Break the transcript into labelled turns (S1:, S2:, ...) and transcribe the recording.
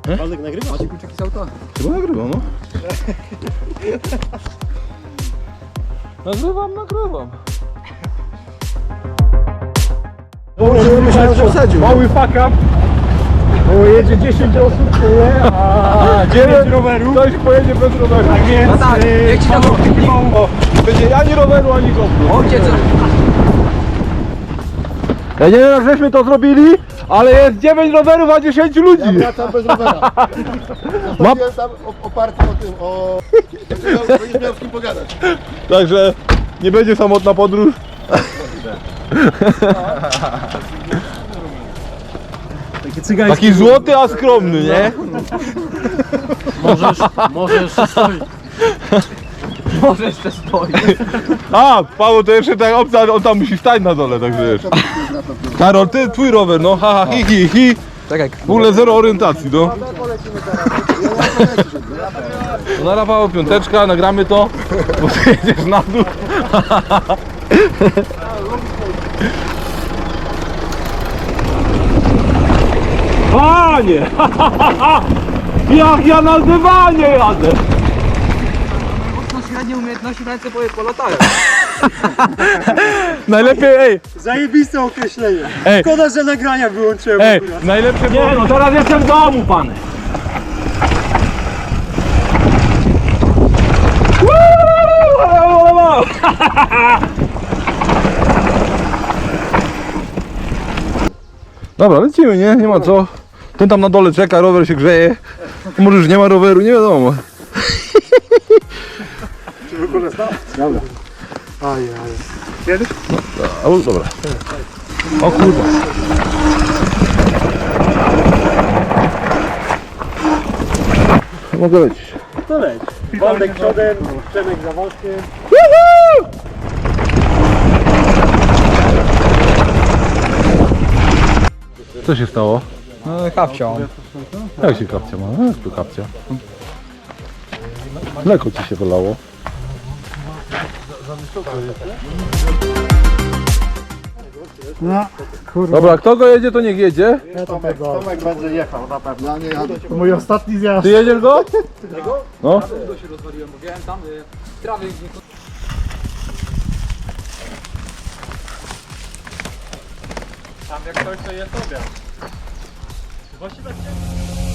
S1: Waldek nagrywa? Macie kluczyki z auta?
S2: Chyba nagrywam, no. Nagrywam.
S1: Myślałem, że wsadził.
S3: Mały fuck up. Bo jedzie 10 osób, nie? A 9 rowerów. Ktoś pojedzie bez roweru. Tak więc...
S1: No tak, jak ci tam
S3: Będzie ani roweru, ani GoPro.
S1: ojciec.
S3: Ja nie wiem jak żeśmy to zrobili, ale jest 9 rowerów, a 10 ludzi.
S4: Ja wracam bez rowera. Zostawiłem tam oparty o tym, o... Będziesz miał z kim pogadać.
S3: Także nie będzie samotna podróż.
S1: Takie cygańskie.
S3: Taki złoty, a skromny, nie?
S1: Może jeszcze stoi. Może jeszcze stoi.
S3: A, Paweł to jeszcze tak opcja, on tam musi stać na dole, także wiesz. Karol, ty, twój rower, no, ha, hi.
S1: Czekaj.
S3: W ogóle zero orientacji, no. No na Paweł piąteczka, nagramy to, bo ty jedziesz na dół. Panie! Jak ja na dywanie jadę!
S1: No średnie umiejętności ręce polatają.
S3: Najlepiej, ej,
S1: Zajebiste określenie.
S3: Ej.
S1: Szkoda, że nagrania wyłączyłem.
S3: najlepsze... Nie no, teraz jestem w domu, pan! Dobra, lecimy, nie? Nie ma co. Ten tam na dole czeka, rower się grzeje. Może już nie ma roweru, nie wiadomo.
S1: Dobra.
S3: Jedziesz? No, dobra. O kurwa. Mogę lecieć.
S1: To leć. Waldek przodem, Przemek za Waldkiem.
S3: Co się stało?
S1: No kapcią.
S3: Jak się kapcia ma? Jak tu kapcia? Mleko ci się wylało.
S5: No, kurwa,
S3: Dobra, kto go jedzie, to niech jedzie.
S5: ja to tego.
S4: Tomek będzie jechał, na pewno. Ja nie jadę.
S5: Mój ostatni zjazd.
S3: Ty jedziesz go? No.
S1: To się rozwaliłem, bo wiem tam trawy gdzie...
S3: Tam jak ktoś to jest obiad. Właściwie